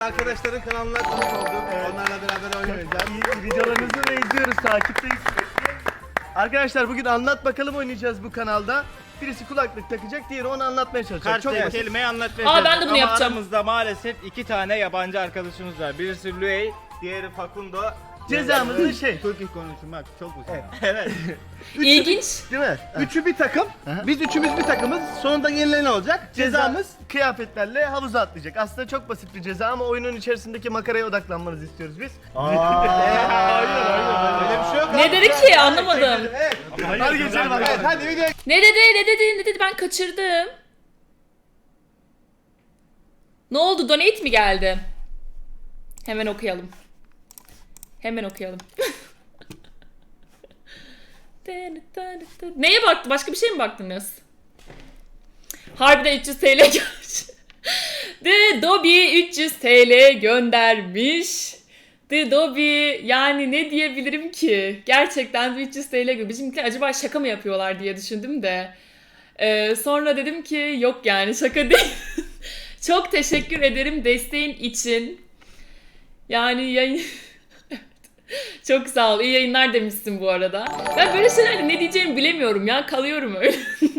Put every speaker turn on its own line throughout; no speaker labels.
Arkadaşların kanalına konuk oldum. Onlarla beraber oyun oynayacağız.
Videolarınızı da izliyoruz, takipteyiz sürekli. Arkadaşlar bugün anlat bakalım oynayacağız bu kanalda. Birisi kulaklık takacak, diğeri onu anlatmaya çalışacak.
Karşıdaki
basit.
kelimeyi anlatmaya
Aa, ben de
çalışacağız.
bunu
Ama
yapacağım.
aramızda maalesef 2 tane yabancı arkadaşımız var. Birisi Luey, diğeri Facundo.
Cezamız da şey.
Türkçe konuşmak çok uzun.
Evet.
İlginç.
Değil mi?
Üçü bir takım. Biz üçümüz bir takımız. Sonunda yenilen olacak.
Cezamız kıyafetlerle havuza atlayacak. Aslında çok basit bir ceza ama oyunun içerisindeki makaraya odaklanmanızı istiyoruz biz.
Öyle bir şey yok.
Ne dedi ki anlamadım.
Evet.
Hadi geçelim
Evet, hadi video.
Ne dedi ben kaçırdım. Ne oldu, donate mi geldi? Hemen okuyalım. Neye baktı? Başka bir şey mi baktınız? Harbiden 300 TL gelmiş. The Dobby 300 TL göndermiş. The Dobby, yani ne diyebilirim ki? Gerçekten de 300 TL göndermiş. Bizimkiler acaba şaka mı yapıyorlar diye düşündüm de. Sonra dedim ki yok, yani şaka değil. Çok teşekkür ederim desteğin için. Yani yayın... Çok sağ ol. İyi yayınlar demişsin bu arada. Ben böyle şeylerde ne diyeceğimi bilemiyorum ya. Kalıyorum öyle.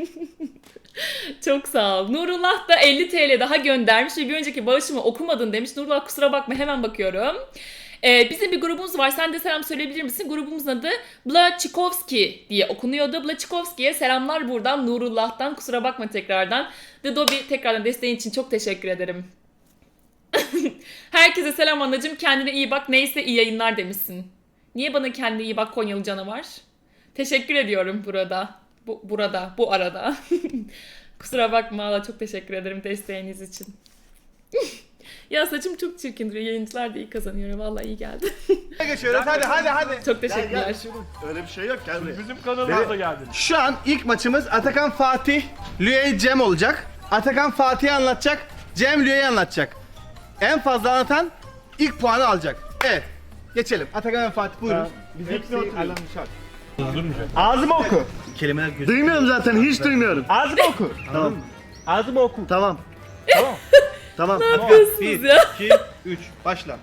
Çok sağ ol. Nurullah da 50 TL daha göndermiş ve bir önceki bağışımı okumadın demiş. Nurullah kusura bakma, hemen bakıyorum. Bizim bir grubumuz var. Sen de selam söyleyebilir misin? Grubumuzun adı Blachikovski diye okunuyordu. Blachikovski'ye selamlar buradan Nurullah'tan. Kusura bakma tekrardan. The Dobby, tekrardan desteğin için çok teşekkür ederim. Herkese selam anacığım. Kendine iyi bak. Neyse iyi yayınlar demişsin. Niye bana kendine iyi bak Konyalı canavar? Teşekkür ediyorum burada. Bu arada. Kusura bakma Allah, çok teşekkür ederim desteğiniz için. Ya saçım çok çirkin duruyor. Yayıncılar da iyi kazanıyor. Vallahi iyi geldi.
Geçiyoruz. Hadi.
Çok teşekkürler.
Öyle bir şey yok, gel buraya.
Bizim kanalımıza geldin.
Şu an ilk maçımız Atakan Fatih, Lüey Cem olacak. Atakan Fatih'i anlatacak, Cem Lüey'i anlatacak. En fazla anlatan ilk puanı alacak. Evet. Geçelim. Atakan ve Fatih buyurun.
Hepsi oturuyor.
Ağzımı oku.
Kelimeler gözüküyor.
Duymuyorum zaten, hiç duymuyorum.
Ağzımı oku.
Tamam.
Ağzımı oku.
Tamam.
Tamam.
Tamam.
Ne yapıyorsunuz ya?
2, 3. Başla.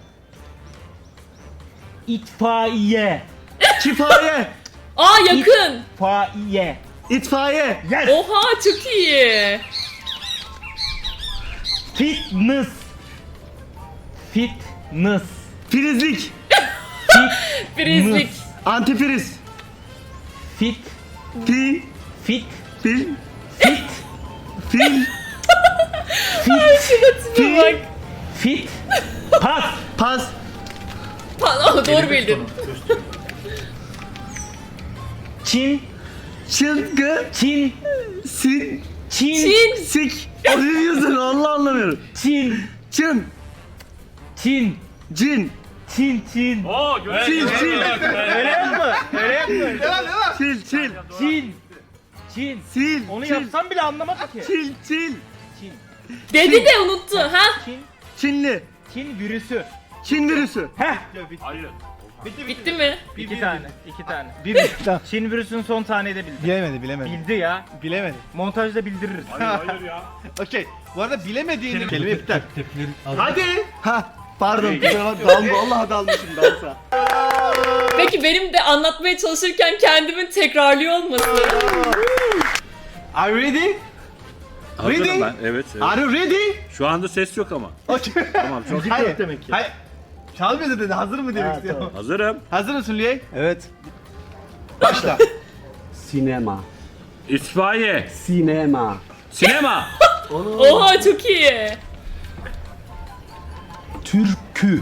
İtfaiye.
Kifaye.
Aa, yakın.
İtfaiye.
İtfaiye.
Oha, çok iyi.
Fitness. Fitness.
Filizlik.
Frizlik.
Antifriz.
Fit.
Fi.
Fit.
Fil.
Fit.
Fil.
Tipe bak.
Fit. Pas.
Pas.
Aa, doğru bildin.
Çin.
Çılgı.
Çin.
Sin.
Çin.
Çin.
Sik. O ne diyorsun? Allah anlamıyorum.
Çin.
Çın.
Çin.
Cin.
Çin. Çin.
Oo,
Çil. Çil.
Öyle yapma. Öyle yapma.
Çil. Çil.
Çin. Çin.
Sil.
Onu
çil.
yapsam bile anlamadı ki.
Çil. Çil.
Çin.
Dedi de unuttu. Ha?
Çin.
Çinli.
Çin virüsü.
Çin virüsü.
Heh.
Hayır.
Bitti mi?
İki tane. Çin virüsünün son taneyi de bildi.
Bilemedi.
Bildi ya.
Bilemedi.
Montajda bildiririz.
Hayır ya.
Okey. Bu arada bilemediğini kelime iptal.
Hadi. Ha. Pardon. Vallahi dalmışım dansa.
Peki benim de anlatmaya çalışırken kendimin tekrarlıyor olması.
Are you ready?
Hazırım
Ready?
ben. Evet.
Are you ready?
Şu anda ses yok ama.
Okay.
Tamam çok
Hayır.
demek ki.
Hayır. Çalmıyor dedi. Hazır mı demek istiyorum.
hazırım.
Hazır mısın Lüey?
Evet.
Başla.
Sinema.
İtfaiye.
Sinema.
Sinema.
Oha, çok iyi.
Türkü.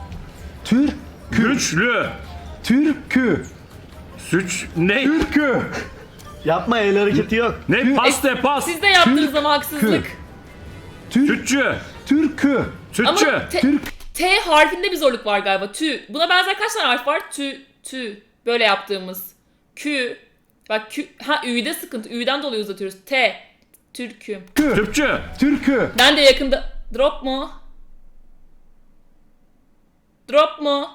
Güçlü.
Türkü.
Suç ne?
Türkü.
Yapma, el hareketi yok.
Ne? Pas. Pas.
Siz de yaptınız ama haksızlık.
Sütçü.
Türkü.
Sütçü.
Ama T harfinde bir zorluk var galiba. Tü. Buna benzer kaç tane harf var? Tü. Böyle yaptığımız. Kü. Bak kü. Ha, Ü'de sıkıntı. Ü'den dolayı uzatıyoruz. T. Türküm.
Tüpçü.
Türkü.
Ben de yakında... Drop mu? Drop mu?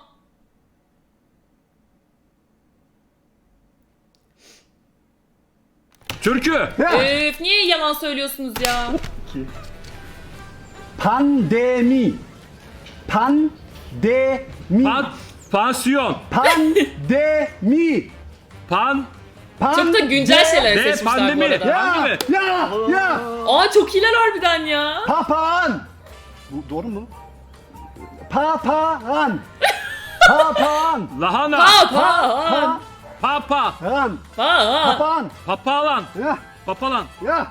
Türkü.
Öf, niye yalan söylüyorsunuz ya?
Pandemi. Pandemi.
Pansiyon.
Pandemi.
Pan.
Çok da güncel şeyler
De
seçmişler bu
pandemi.
arada.
Ya, ya.
Aa çok iyiler harbiden ya.
Papağan. Bu doğru mu? Papağan. Papağan.
Lahana.
Papağan.
Papa.
Papağan.
Papağan.
Papan.
Papalan.
Ya.
Papalan.
Ya.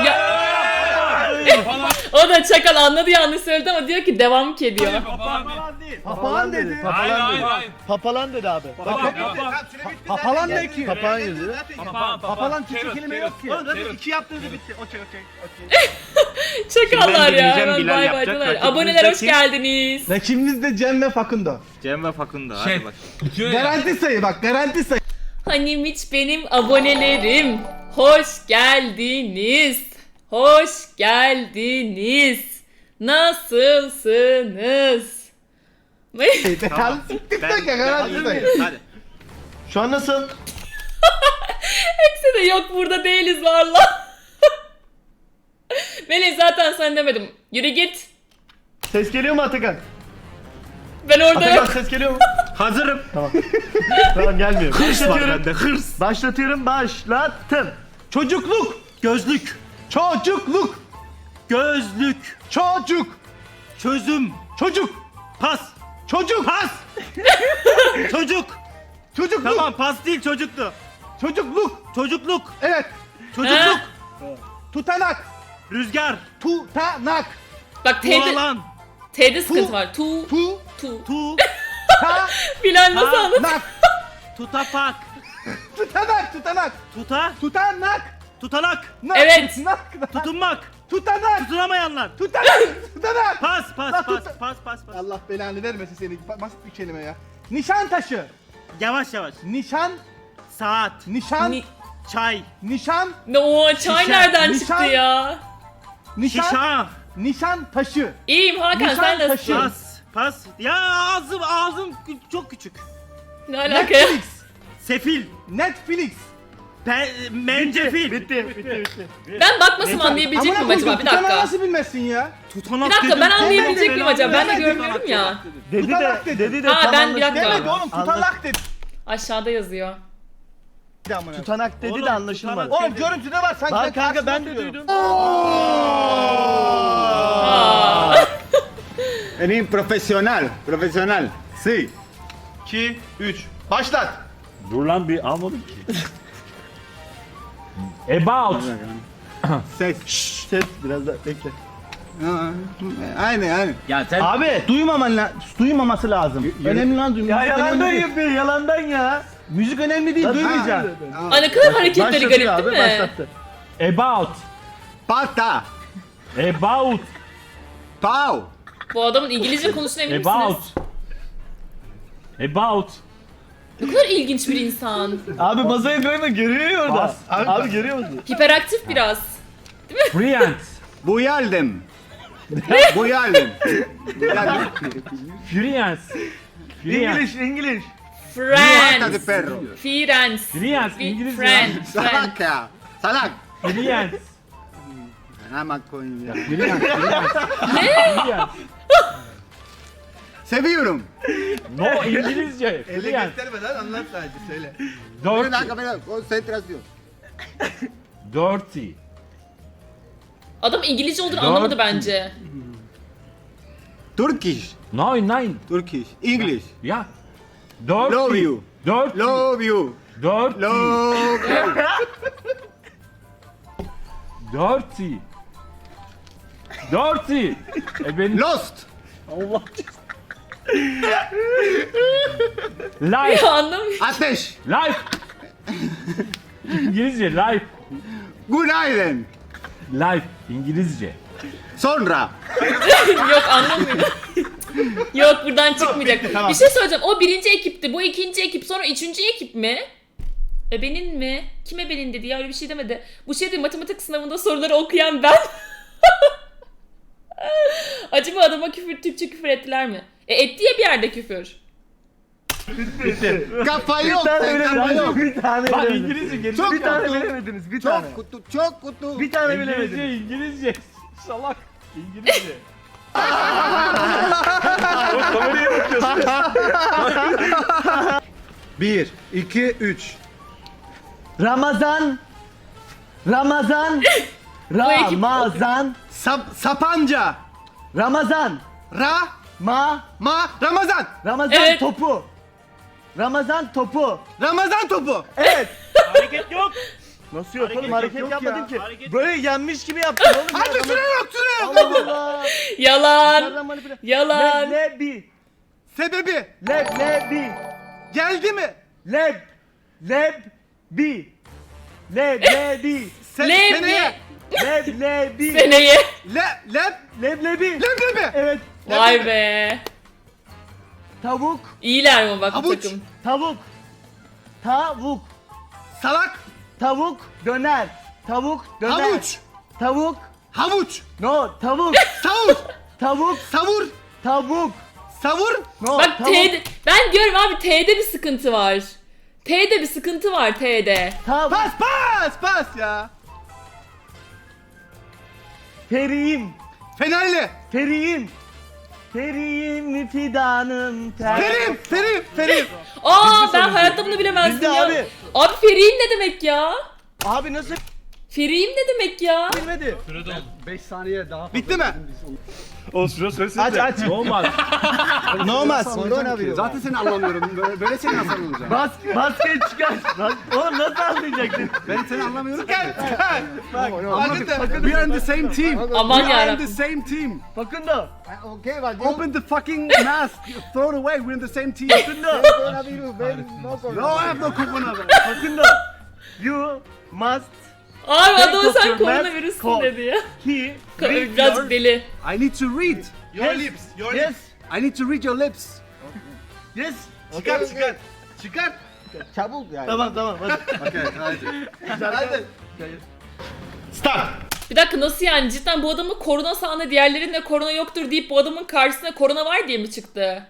O da çakal anladı yanlış söyledi ama diyor ki devam ki diyor.
Papalan değil.
Papağan dedi.
Papalan dedi abi.
Papalan ne ki?
Papağan yazıyor.
Papalan Türkçe kelime yok ki.
Oğlum zaten 2 yaptığınızda bitti. Okey.
Çakallar ya
deneyeceğim,
hemen
Bilal
bay
yapacak.
baydılar.
Rakibimiz
Aboneler
de
hoş
kim?
geldiniz.
Rakibimiz de Cem ve Fakundo.
Cem ve Fakundo. Hadi bak.
Garanti sayı bak, garanti sayı.
Hanimiş benim abonelerim. Hoş geldiniz. Hoş geldiniz. Nasılsınız?
Tamam.
Ben
Garanti sayı.
Hadi.
Şu an nasıl?
Hepsi de yok burada değiliz valla. Melih zaten sen demedim. Yürü git.
Ses geliyor mu Atakan?
Ben orada
Atakan
yok.
ses geliyor mu?
Hazırım.
Tamam gelmiyor.
Hırs var
Başlatıyorum.
bende hırs.
Başlatıyorum. Başlattım.
Çocukluk.
Gözlük.
Çocukluk.
Gözlük.
Çocuk.
Çözüm.
Çocuk.
Pas.
Çocuk.
Pas. Çocuk.
Çocukluk.
Tamam pas değil çocuktu.
Çocukluk.
Çocukluk.
Evet.
Çocukluk.
Ha?
Tutanak.
Rüzgar.
Tutanak.
Bak T'de,
Tualan.
T'de sıkıntı var. Tu.
Tu.
Tu.
Tu.
Ta.
Bilal nasıl anladın?
Nak.
Tutapak.
Tutanak. Tutanak.
Tuta.
Tutanak.
Tutanak.
Nak.
Evet.
Nak.
Tutunmak.
Tutanak.
Tutunamayanlar.
Tutanak. Tutanak.
Pas pas
Lan
pas
tut-
pas pas pas.
Allah belanı vermesin seni. Basit bir kelime ya. Nişan taşı.
Yavaş yavaş.
Nişan.
Saat.
Nişan.
Ni-
Çay.
Nişan.
Ne o çay
Şişe,
nereden
nişan.
çıktı ya?
Nişan.
Şişa.
Nişan taşı.
İyiyim Hakan
Nişan
sen
taşı.
nasılsın?
Pas. Pas. Ya ağzım çok küçük.
Ne alaka ya?
Netflix.
Sefil.
Netflix.
Mencefil.
Bitti.
Ben bakmasam anlayabilecek miyim acaba? Bir
Tutanağı
dakika.
nasıl bilmezsin ya?
Tutanak
Bir dakika
dedim.
ben anlayabilecek miyim acaba? Ben de
Demedim,
görmüyorum ya.
Dedi
Tutanak
de,
dedi.
dedi de
Ha,
tam
ben bir dakika.
anlaşılmadı.
Demedi oğlum tutanak dedi.
Aşağıda yazıyor.
Tutanak dedi
Oğlum,
de anlaşılmadı.
Oğlum görüntüde var sanki.
Lan kanka ben de
karşıma
duydum.
Aa.
Eres profesional, profesional. Sí.
2, 3. Başlat.
Dur lan bir almadım ki. About.
Ses.
Ses biraz da bekle.
Aynen.
Ya sen
Abi duymaması lazım. Önemli lan duymak.
Ya
Müzik
yalandan
önemli değil.
yapıyor yalandan ya.
Müzik önemli değil, duymayacaksın.
Aa, ne kadar hareketleri
Başlatıyor
garip
abi
değil mi?
başlattı.
about.
Pata.
About.
Pau.
Bu adamın İngilizce konuştuğuna emin
About.
misiniz?
About.
Ne kadar ilginç bir insan.
Abi masaya koyma görüyor ya orada.
Bas.
Abi görüyor musun?
Hiperaktif biraz.
Friends.
Buyaldım. Buyaldım.
Friends. Friends.
İngiliz.
Pata de
Friends.
perro.
Friends.
Friends. İngilizce.
Friends. Friends.
Salaca. Salak.
Friends.
Ama koyun ya.
Friends. Friends.
Seviyorum.
No İngilizce.
Elle
Friends.
göstermeden anlat sadece söyle.
Bir
Dirty.
dakika bir dakika. Konsantrasyon.
Dirty.
Adam İngilizce olduğunu
Dört.
anlamadı bence.
Turkish.
Nine.
Turkish. English.
Yeah. Dirty.
Love you.
Dirty.
Love you.
Dirty.
Love you.
Dirty. Dirty. Ben
Lost.
life.
Ya anlamıyorum.
Ateş.
Life. İngilizce life.
Günaydın.
Life İngilizce.
Sonra.
Yok anlamıyorum. Yok buradan çıkmayacak.
bitti, tamam.
Bir şey söyleyeceğim. O birinci ekipti. Bu ikinci ekip. Sonra üçüncü ekip mi? Ebenin mi? Kim ebenin dedi ya öyle bir şey demedi. Bu şeydi matematik sınavında soruları okuyan ben. Acaba adama Türkçe küfür ettiler mi? Etti ya bir yerde küfür.
Kafa yok.
Bir tane
Kafa yok.
bilemediniz. Bir tane
Bak
bilemediniz.
İngilizce geri
Çok
Bir tane
kutu.
bilemediniz. Bir tane.
Çok kutu. Çok kutu.
Bir tane
İngilizce
bilemediniz.
İngilizce. Salak. İngilizce.
1, 2, 3.
Ramazan. Ramazan.
ekip
Ramazan.
Sapanca.
Ramazan.
Ma Ramazan.
Ramazan
Evet.
topu. Ramazan topu.
Ramazan topu.
Evet.
Hareket yok.
Nasıl yok oğlum?
Hareket
Hareket
yok
yapmadın
ya.
ki.
Hareket
Böyle yenmiş gibi yaptın oğlum. ya.
Hadi süre yok süre yok.
Allah Allah.
Yalan.
Nereden manipüle-
Yalan.
Leblebi.
Sebebi.
Leblebi.
Geldi mi?
Leblebi. Leblebi.
Seneye.
Leblebi.
Seneye.
Leblebi.
Leblebi.
Evet.
Vay be.
Tavuk.
İyiler mi bak bu
Havuç.
takım?
Tavuk. Tavuk.
Salak.
Tavuk döner. Tavuk döner.
Havuç.
Tavuk.
Havuç.
No, tavuk.
Savur.
Tavuk.
Savur.
Tavuk.
Savur.
No,
Bak
tavuk.
T'de ben diyorum abi T'de bir sıkıntı var. T'de bir sıkıntı var T'de.
Tavuk.
Pas ya.
Periğim.
Fenerli.
Periğim. Periğim fidanım ter.
Ferim.
Aa ben hayatta bunu bilemezdim
Bildi
ya.
abi.
Abi Feriğim ne demek ya?
Abi nasıl
Feriğim ne demek ya?
bilmedi?
5 saniye daha.
Bitti mi?
O süre söylesin
Aç
de.
aç.
Olmaz.
Ne olmaz.
Zaten seni anlamıyorum. Böyle seni nasıl anlayacağım?
Basket çıkar. Oğlum nasıl anlayacaksın?
Ben seni anlamıyorum.
Bak. Hadi de.
We are in the same team.
Aman
We are in
yarabbim.
the same team.
Fakundo.
Open the fucking mask. Throw it away. We're in the same team.
Fakundo.
No, I have no coconut.
Fakundo. You must
Abi
Take
adamı
off
sen
your
koronavirüsün
mask,
dedi ya.
key.
Birazcık deli.
I need to read.
Your lips. Your lips.
Yes.
I need to read your lips.
Yes.
Çıkar.
Tamam hadi.
Okay, hadi.
Hadi. Start.
Bir dakika nasıl yani cidden bu adamın korona sahne diğerlerinde korona yoktur deyip bu adamın karşısına korona var diye mi çıktı?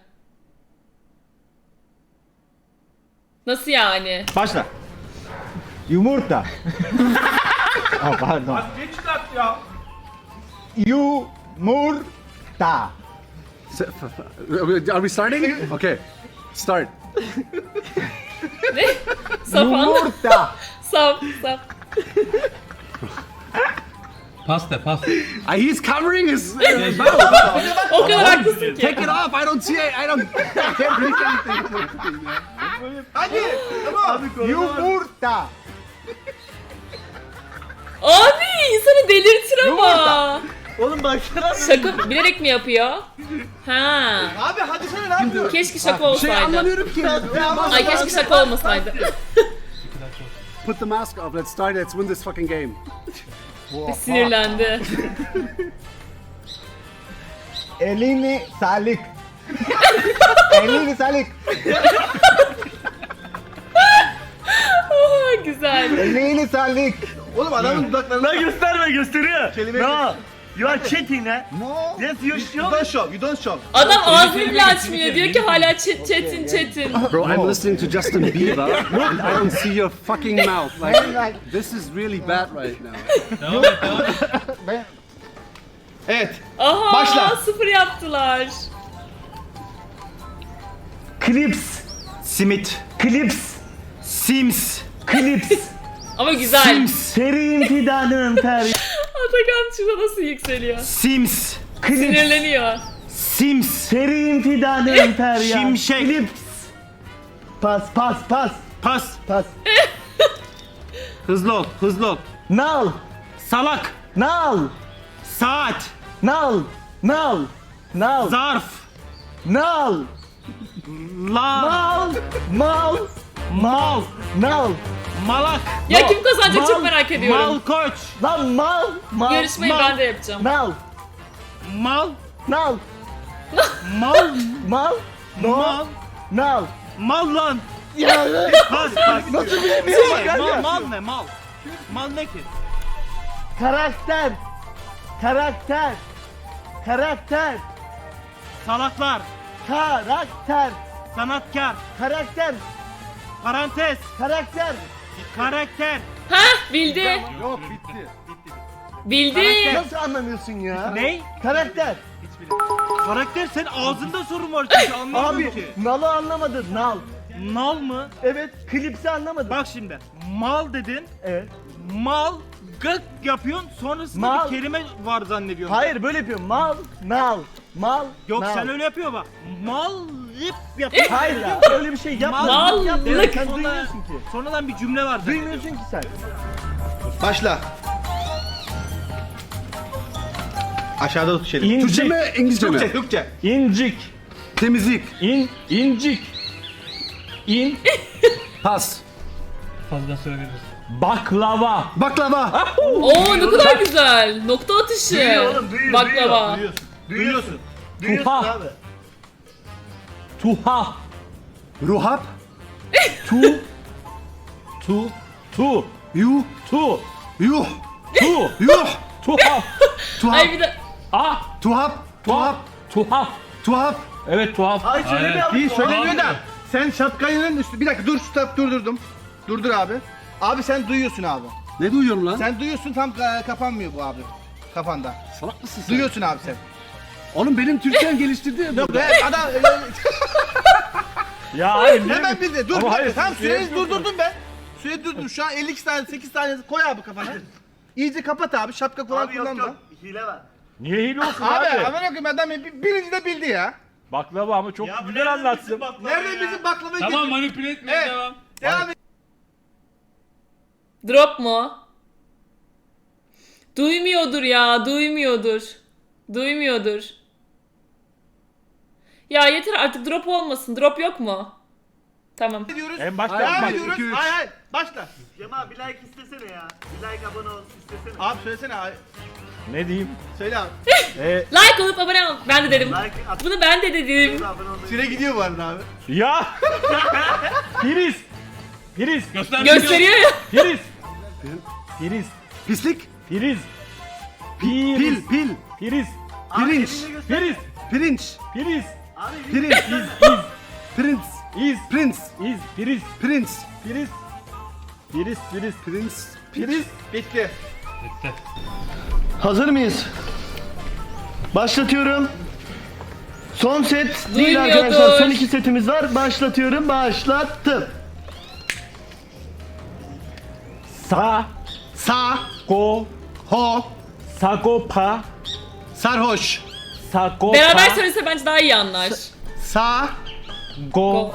Nasıl yani?
Başla.
Yumurta. Pardon.
Geç çıkart ya.
Yumurta.
Are we starting? Okay. Start.
Ne? Saf anla.
Yumurta.
Saf.
He's covering his mouth.
O kadar haklısın ki.
Take it off. I don't see it. I can't read anything.
Hadi. Tamam.
Yumurta.
Abi insanı delirtir ama.
Oğlum baksana.
Şaka bilerek mi yapıyor? Ha.
Abi hadi sana ne yapıyorsun?
Keşke şaka
Şey
olsaydı.
anlamıyorum ki.
Ay keşke şaka olmasaydı.
Put the mask off. Let's start. Let's win this fucking game.
Sinirlendi.
Elini salik. Elini salik.
Oha, güzel.
Elini salik.
Oğlum adamın dudaklarına
Lan gösterme gösteriyor.
Kelime
No. You are cheating ha.
No.
Yes you
You
show.
don't show. You don't show.
Adam ağzını bile açmıyor. Diyor ki hala çetin.
Bro, I'm listening to Justin Bieber, and I don't see your fucking mouth. Like, this is really bad right now.
Evet.
Aha
Başla.
0 yaptılar.
Clips.
Simit.
Clips.
Sims.
Clips.
Ama güzel.
Periğim fidanım ter.
Atakan şurada nasıl yükseliyor.
Sims.
Clips.
Sinirleniyor.
Sims.
Periğim fidanım ter ya.
Şimşek.
Clips. Pas.
Pas. Hızlı ol.
Nal.
Salak.
Nal.
Saat.
Nal.
Zarf.
Nal.
La.
Mal. Nal.
Malak.
Ya kim kazanacak çok merak ediyorum.
Malkoç.
Lan mal.
Yarışmayı ben de yapacağım.
Nal.
Mal.
Nal.
Mal.
Mal.
Mal.
Nal.
Mal lan.
Ya.
Pas.
Nasıl bilemiyorum kanka?
Mal ne mal? Mal ne ki?
Karakter.
Salaklar.
Karakter.
Sanatkar.
Karakter.
Parantez.
Karakter.
Karakter.
Ha bildi.
Yok bitti.
Bildi.
Nasıl anlamıyorsun ya?
Ne?
Karakter.
Karakter sen ağzında sorun var çünkü anlamıyorum
Abi
ki.
nalı anlamadın. Nal.
Nal mı?
Evet. Klipsi anlamadın.
Bak şimdi mal dedin.
Evet.
Mal gık yapıyorsun sonrasında
Mal.
bir kelime var zannediyorsun.
Hayır böyle yapıyorum. Mal, nal, mal,
Yok
nal.
sen öyle yapıyor bak. Mal lip yapıyorsun.
Hayır ya öyle bir şey yapma.
Mallık.
Yapma. Evet, sen
Sonra-
duymuyorsun ki.
Sonradan bir cümle var zannediyorsun.
Duymuyorsun ki sen.
Başla. Aşağıda tut şeyi.
Türkçe mi, İngilizce
Türkçe,
mi?
Türkçe.
İncik.
Temizlik.
İncik. İn.
Pas.
Baklava.
Baklava.
Oo ne kadar güzel. Nokta atışı.
Duyuyor oğlum, duyuyor,
Baklava.
Duyuyorsun.
Tuhaf.
abi.
Tuhaf.
Ruhap.
Tu. Tu. Tu.
Yuh.
Tu.
Yuh.
Tu.
Yuh.
Tuhaf.
Ay bir de
Ah.
Tuhaf. Tuhaf.
Tuhaf.
Tuhaf.
Evet tuhaf.
Ay söylemiyor
İyi
musun?
söylemiyor da sen şapkanın üstü... Bir dakika dur stop durdurdum. Durdur abi. Abi sen duyuyorsun abi.
Ne duyuyorum lan?
Sen duyuyorsun tam kapanmıyor bu abi. Kafanda.
Salak mısın sen?
Duyuyorsun abi sen.
Oğlum benim Türkçem geliştirdi.
Yok be adam
Ya hayır.
hemen bildi. Dur
Ama
dur.
hayır,
Tam
siz
süreyi
söylemiyorsunuz.
durdurdum ben. Süreyi durdurdum. Şu an 52 tane 8 tane koy abi kafana. İyice kapat abi. Şapka falan
Abi yok
kullanma.
yok. Hile var.
Niye hile olsun
Abi
abi?
aman okuyayım adam birinci de bildi ya.
Baklava ama çok güzel anlatsın.
Nerede bizim baklavayı
Tamam manipüle etmeye
Evet.
devam.
Devam et.
drop mu? Duymuyordur ya. Duymuyordur. Duymuyordur. Ya yeter artık drop olmasın. Drop yok mu? Tamam.
Ediyoruz.
En başta
Devam
bak.
ediyoruz.
2, 3.
Hayır hayır. Başla.
Cema bir like istesene ya. Bir like abone ol istesene.
Abi söylesene abi.
Ne diyeyim?
Söyle abi.
Like olup abone ol. Ben de dedim.
Like at.
Bunu ben de dedim.
Abone ol.
Süre gidiyor bu arada abi.
Ya. Priz. Priz.
Gösteriyor ya.
Priz. Priz.
Pislik.
Priz.
Pil. Pil.
Priz.
Pirinç.
Priz.
Pirinç.
Priz.
Pirinç. Prince.
İz.
Prince.
İz. Priz.
Prince.
Priz. Priz. Priz.
Prince.
Priz.
Bitti.
Hazır mıyız? Başlatıyorum. Son set değil
Duymuyordur.
arkadaşlar. Son 2 setimiz var. Başlatıyorum. Başlattım.
Sa.
Sa,
Ko.
ho,
Sagopa.
sarhoş.
Sagopa.
Beraber söylese bence daha iyi anlar.
Sa,
Go.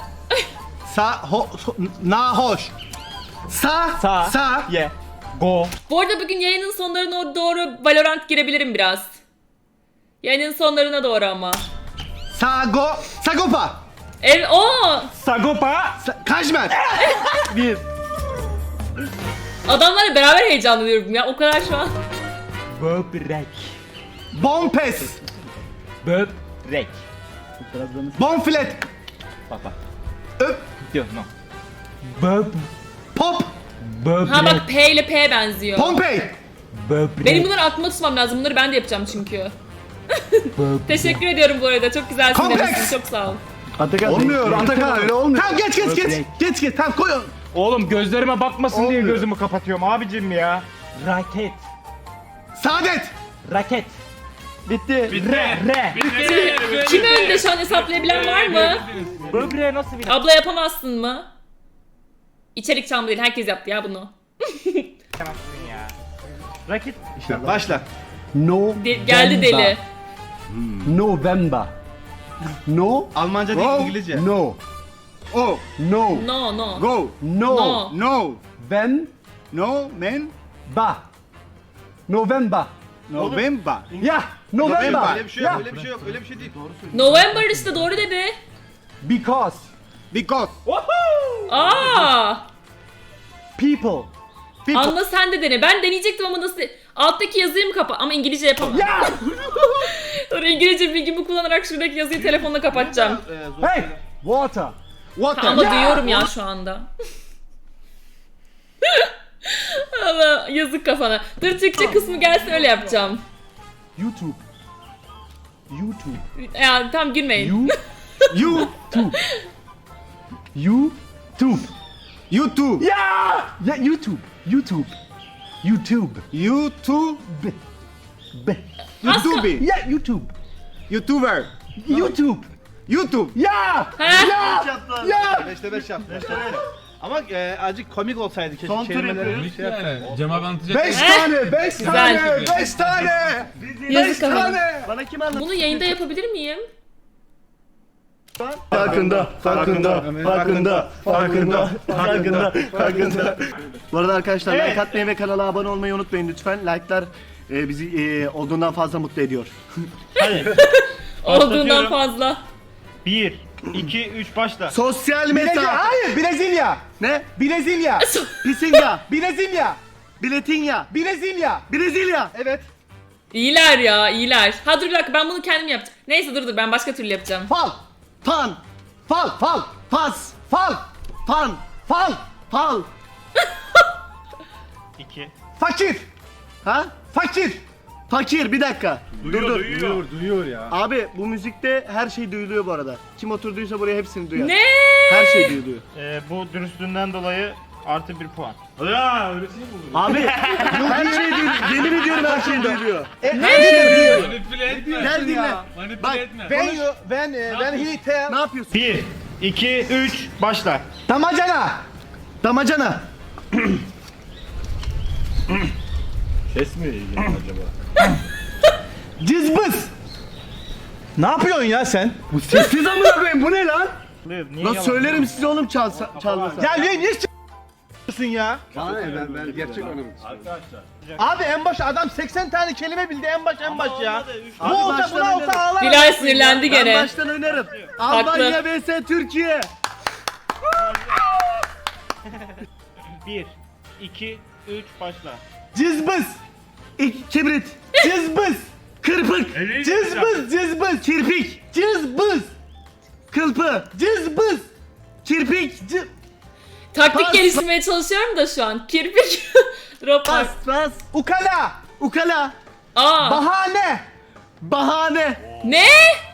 nahoş. Sa,
Sa.
sa,
Ye. Go.
Bu arada bugün yayının sonlarına doğru Valorant girebilirim biraz. Yayının sonlarına doğru ama.
sago, sagopa.
O
Sagopa.
Kaşmer.
Bir.
adamlarla beraber heyecanlanıyorum ya. O kadar şu an.
Böbrek.
Bompes.
Böbrek.
Bonfilet.
Bak bak.
Öp.
Diyor no. Böb.
Pop.
Böbrek.
Ha bak P ile P benziyor.
Pompey.
Böbrek.
Benim bunları aklımda tutmam lazım. Bunları ben de yapacağım çünkü. Teşekkür ediyorum bu arada. Çok güzel
Kompleks.
dinlemişsin. Çok sağ ol.
Atakan.
Olmuyor Atakan öyle olmuyor.
Tamam geç. Geç tamam koy onu.
Oğlum gözlerime bakmasın diye
Olmuyor.
gözümü kapatıyorum abicim ya. Raket.
Saadet.
Raket.
Bitti.
Re.
Kim önde şu an hesaplayabilen var mı?
Böbreğe nasıl bir...
Abla yapamazsın mı? İçerik çalma değil. Herkes yaptı ya bunu.
Raket.
Başla.
Geldi deli.
November. No.
Almanca değil İngilizce.
No. Oh. No.
No no.
Go. No.
No.
No.
When.
No men.
Ba. November.
November.
Ya. November.
Öyle bir şey yok. Öyle bir şey yok. Öyle bir şey değil.
November işte doğru dedi.
Because.
Because.
Aa!
People.
Anla sen de dene. Ben deneyecektim ama nasıl? Alttaki yazıyı mı kapa? Ama İngilizce yapamam.
Ya.
Sonra İngilizce bilgimi kullanarak şuradaki yazıyı telefonla kapatacağım.
Hey. Water.
Water.
Ama duyuyorum ya şu anda. Allah yazık kafana. Dur Türkçe kısmı gelsin öyle yapacağım.
YouTube. YouTube.
Ya tam gülmeyin.
YouTube. YouTube.
YouTube.
Ya. Ya YouTube. YouTube. YouTube.
YouTube.
B.
YouTube.
Ya YouTube.
YouTuber.
YouTube. YouTube. Ya.
He?
Yaptılar.
Ya.
5'te 5 yaptı. Ama azıcık komik olsaydı keşke.
Son tur
kelimeleri
yapıyoruz.
şey yapsaydı.
Cem abi anlatacak.
5 tane. 5 tane. 5 tane. 5
Yazık ama.
tane.
Bana kim anlattı?
Bunu yayında yapabilir miyim?
Farkında. Bu arada arkadaşlar like atmayı ve kanala abone olmayı unutmayın lütfen. Like'lar bizi olduğundan fazla mutlu ediyor.
Olduğundan fazla.
1, 2, 3 başla.
Sosyal
Brezilya.
meta.
Hayır. Brezilya.
Ne?
Brezilya.
Pisinga.
Brezilya.
Biletinya.
Brezilya.
Brezilya.
Evet.
İyiler ya, iyiler. Ha dur bir dakika, ben bunu kendim yapacağım. Neyse dur ben başka türlü yapacağım.
Fal.
Pan.
Fal. Fal.
Pas.
Fal.
Pan.
Fal.
Pal.
2.
Fakir.
Ha?
Fakir.
Fakir bir dakika. Dur.
Duyuyor ya.
Abi bu müzikte her şey duyuluyor bu arada. Kim oturduysa buraya hepsini duyar.
Ne?
Her şey duyuluyor.
Bu dürüstlüğünden dolayı artı 1 puan.
Ya öylesini buldum.
Abi her şey duyuluyor. Yemin ediyorum her şey duyuluyor.
Manipüle etme.
Gel dinle.
Manipüle
Bak.
etme.
When he tell.
Ne yapıyorsun?
1, 2, 3 başla.
Damacana.
Damacana.
Ses mi ilgili acaba?
Cızbız.
Ne yapıyorsun ya sen?
Sessiz amına koyayım bu ne lan?
Niye
Lan
yalan?
söylerim size oğlum çalmasa.
Ya niye s***sın ya?
Bana ne ben gerçek anım.
Abi en baş adam 80 tane kelime bildi en baş ya. Bu
Abi
olsa
baştan
buna olsa
oynarım.
ağlar.
Bilal sinirlendi
Ben
gene.
baştan oynarım. Almanya vs Türkiye.
1, 2, 3 başla.
Cızbız.
Kibrit.
Cızbız.
Kırpık.
Cızbız. Cızbız.
Kirpik.
Cızbız.
Kılpı.
Cızbız.
Kirpik.
Taktik
Pas.
geliştirmeye çalışıyorum da şu an. Kirpik. Drop var.
Pas.
Ukala.
Ukala.
Aa.
Bahane.
Bahane.
Ne?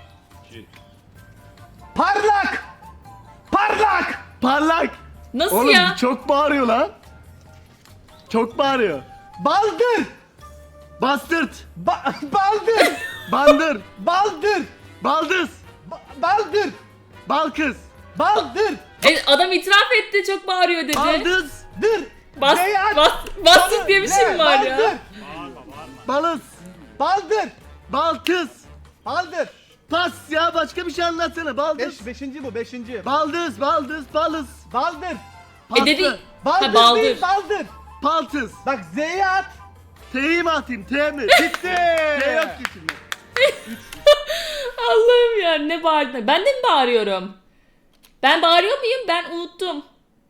Parlak. Parlak.
Parlak.
Nasıl
Oğlum
ya?
çok bağırıyor lan. Çok bağırıyor.
Baldır.
Bastırt.
Baldır.
Bandır.
Baldır.
Baldız.
Baldır.
Balkız.
Baldır.
Adam itiraf etti, çok bağırıyor dedi.
Baldız.
Dır.
Bas,
Beyaz.
bastık diye bir şey mi var
Baldır.
ya?
Balız.
Baldır.
Balkız.
Baldır.
Pas ya başka bir şey anlatsana. Baldız.
Beşinci bu beşinci.
Baldız. Balız.
Baldır.
Paslı.
Dedi.
Baldır
Ha, baldır.
değil baldır.
Paltız.
Bak Z'ye at.
T'yi mi atayım? T mi? Bitti. T yok ki şimdi.
Allah'ım ya, ne bağırdın? Ben de mi bağırıyorum? Ben bağırıyor muyum? Ben unuttum.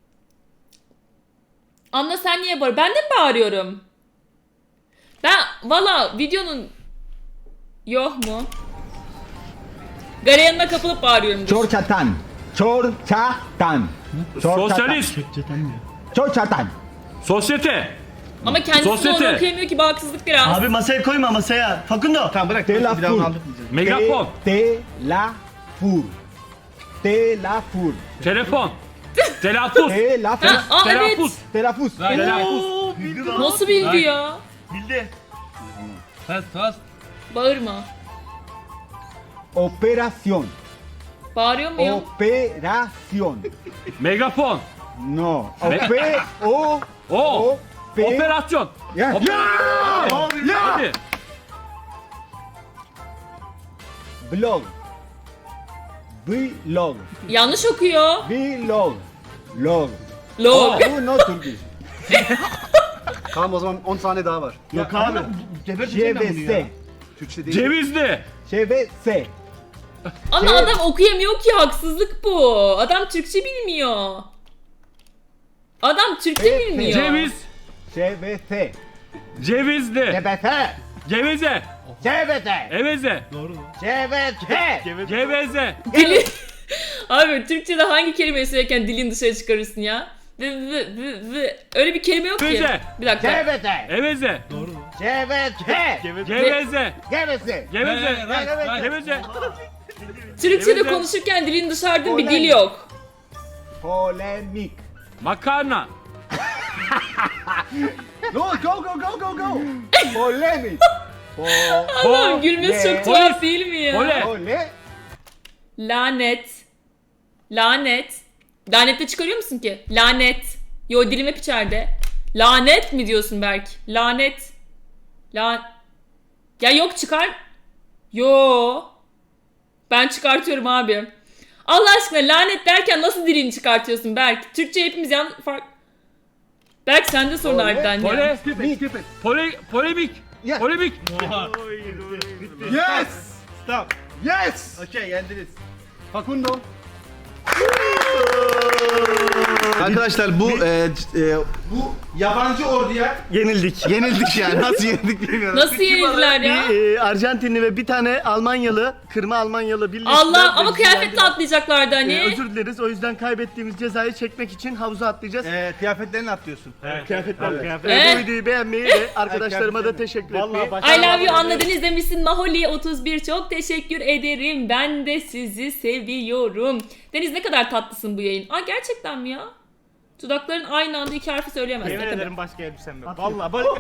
Anla, sen niye bağırıyorsun? Ben de mi bağırıyorum? Ben valla videonun yok mu? Gareyanına kapılıp bağırıyorum.
Çorçatan. Çorçatan.
Sosyalist.
Çorçatan.
Sosyete.
Ama kendisi de
Sosyete.
onu okuyamıyor ki, bu haksızlık biraz.
Abi masaya koyma masaya. Fakundo.
Tamam bırak.
Telafur.
Bir daha onu anlatmayacağım.
Megafon.
Telafur. Telafur.
Telefon. Telaffuz.
Telafur.
Ha, aa, evet.
Telaffuz.
Telaffuz.
Telaffuz.
Oo, bildi lan.
Nasıl bildi ya?
Bildi.
Fast.
Bağırma.
Operación.
Bağırıyor muyum?
Operación.
Megafon.
No. O.
O.
Pe-
Operasyon.
Ya.
Operasyon. Hadi.
Blog. Vlog.
Yanlış okuyor.
Vlog. Log.
Log.
Bu no Turkish.
Tamam o zaman 10 saniye daha var.
Yok abi.
ÇVS.
Türkçe değil.
Cevizli.
ÇVS.
Ama adam okuyamıyor ki, haksızlık bu. Adam Türkçe bilmiyor. Adam Türkçe bilmiyor.
Ceviz.
ÇVS.
Cevizli.
ÇVS.
Geveze.
ÇVS.
Eveze.
ÇVS.
Geveze.
Dili... Abi Türkçe'de hangi kelimeyi söylerken dilin dışarı çıkarırsın ya? Öyle bir kelime yok ki.
Füze.
Bir dakika.
ÇVS.
Eveze.
ÇVS.
Geveze.
Gevese.
Geveze. Geveze.
Türkçe'de
Evet,
konuşurken dilin dışarıda bir dil
Polemik.
yok.
Polemik.
Makarna.
No, go. Polemik.
Allah'ım gülmesi çok tuhaf değil mi ya?
Pole.
Pole.
Lanet. Lanet. Lanette çıkarıyor musun ki? Lanet. Yo, dilim hep içeride. Lanet mi diyorsun Berk? Lanet. Ya yok, çıkar. Yo. Ben çıkartıyorum abi. Allah aşkına, lanet derken nasıl dilini çıkartıyorsun Berk? Türkçe hepimiz Berk sende sorun harbiden ya.
Polemik.
Yeah.
Polemik.
Yes.
Stop.
Yes.
Okey, yendiniz.
Facundo.
Arkadaşlar bu yabancı orduya
Yenildik.
yenildik yani. Nasıl yenildik bilmiyorum.
Nasıl yenildiler ya?
Bir Arjantinli ve bir tane Almanyalı, kırma Almanyalı birleştiler.
Allah, ama
ve
kıyafetle
yendiler.
atlayacaklardı hani.
Özür dileriz. O yüzden kaybettiğimiz cezayı çekmek için havuza atlayacağız.
Kıyafetlerini atlıyorsun.
Kıyafetlerle.
Evet.
Bu videoyu beğenmeyi ve arkadaşlarıma da teşekkür etmeyi.
I love you anladın, izlemişsin. Maholi 31 çok teşekkür ederim. Ben de sizi seviyorum. Deniz, ne kadar tatlısın bu yayın. Aa, gerçekten mi ya? Dudakların aynı anda iki harfi söyleyemez.
Yemin
Ne kadar?
ederim başka elbisem yok. Vallahi böyle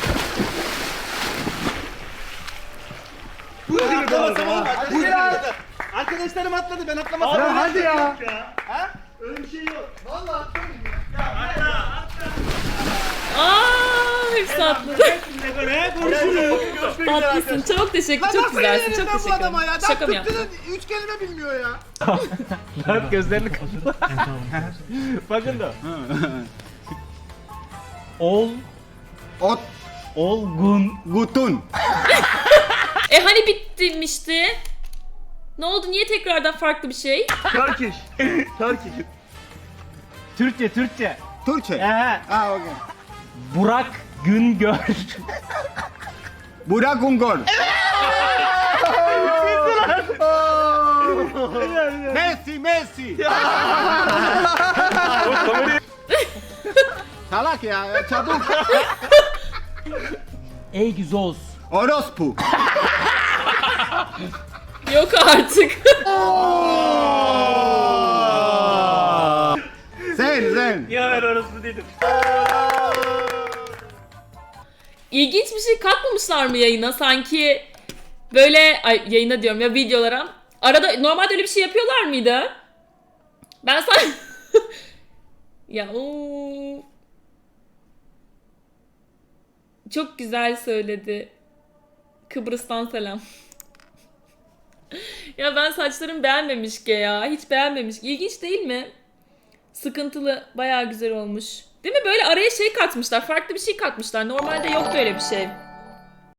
Arkadaşlarım atladı, ben atlamasam.
Ya hadi ya.
Öyle bir şey yok.
Aa, hepsi atladı. Tatlısın. Çok teşekkür, çok güzelsin. Çok teşekkür ederim. Şaka mı yaptın?
3 kelime bilmiyor ya.
Dört gözlerini kapalı. Bakın da.
Ot.
Olgun.
Gutun.
Hani bitmişti? Ne oldu? Niye tekrardan farklı bir şey?
Turkish. Turkish.
Türkçe, Türkçe.
Türkçe.
Ehe.
Okey.
Burak Güngör.
Burak Ungol. Messi. Salak ya, çabuk.
Egzoz.
Orospu.
Yok artık.
Sen.
Ya ben orası dedim.
İlginç bir şey katmamışlar mı yayına? Sanki böyle, yayına diyorum ya, videolara. Arada normalde öyle bir şey yapıyorlar mıydı? Ben sanki... Ya çok güzel söyledi. Kıbrıs'tan selam. Ya ben saçlarım beğenmemiş ki ya. Hiç beğenmemiş. İlginç değil mi? Sıkıntılı. Bayağı güzel olmuş. Değil mi? Böyle araya şey katmışlar. Farklı bir şey katmışlar. Normalde yoktu öyle bir şey.